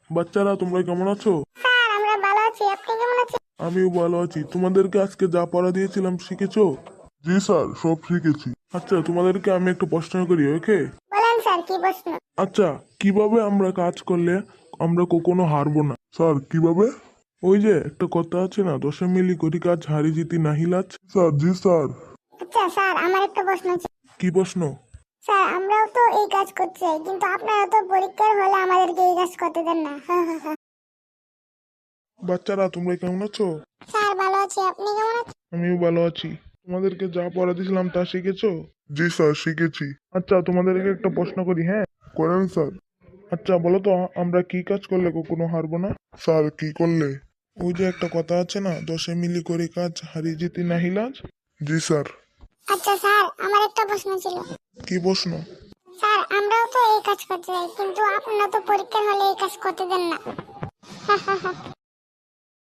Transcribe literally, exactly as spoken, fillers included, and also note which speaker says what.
Speaker 1: বাচ্চারা তোমরা কেমন আছো?
Speaker 2: স্যার আমরা ভালো আছি, আপনি কেমন আছেন?
Speaker 1: আমিও ভালো আছি। তোমাদেরকে আজকে যা পড়া দিয়েছিলাম শিখেছো? জি স্যার, সব শিখেছি। আচ্ছা, তোমাদেরকে আমি একটা প্রশ্ন করি, ওকে?
Speaker 2: বলেন স্যার, কি প্রশ্ন?
Speaker 1: আচ্ছা, কিভাবে আমরা কাজ করলে আমরা কখনো হারবো না? স্যার, কিভাবে? ওই যে একটা কথা আছে না, দশে মিলি করি কাজ হারি জিতি নাহি লাজ। স্যার, জি স্যার।
Speaker 2: আচ্ছা স্যার, আমার একটা প্রশ্ন আছে।
Speaker 1: কি প্রশ্ন?
Speaker 2: স্যার আমরাও তো এই কাজ করতে চাই, কিন্তু আপনারা তো পরীক্ষার হলে আমাদেরকে এই কাজ করতে দেন না।
Speaker 1: বাচ্চারা তোমরা কেমন আছো?
Speaker 2: স্যার ভালো আছি, আপনি কেমন আছেন?
Speaker 1: আমিও ভালো আছি। তোমাদেরকে যা পড়া দিয়েছিলাম তা শিখেছো? জি স্যার, শিখেছি। আচ্ছা, তোমাদেরকে একটা প্রশ্ন করি, হ্যাঁ? করেন স্যার। আচ্ছা বলো তো, আমরা কি কাজ করলে কখনো হারবো না? স্যার, কি করলে? ওই যে একটা কথা আছে না, দশে মিলি করি কাজ হারি জিতি নাহি লাজ। জি স্যার।
Speaker 2: আচ্ছা স্যার, আমার একটা প্রশ্ন ছিল।
Speaker 1: কি প্রশ্ন?
Speaker 2: স্যার আমরাও তো এই কাজ করতে চাই, কিন্তু আপনারা তো পরীক্ষার হলে এই কাজ করতে দেন না।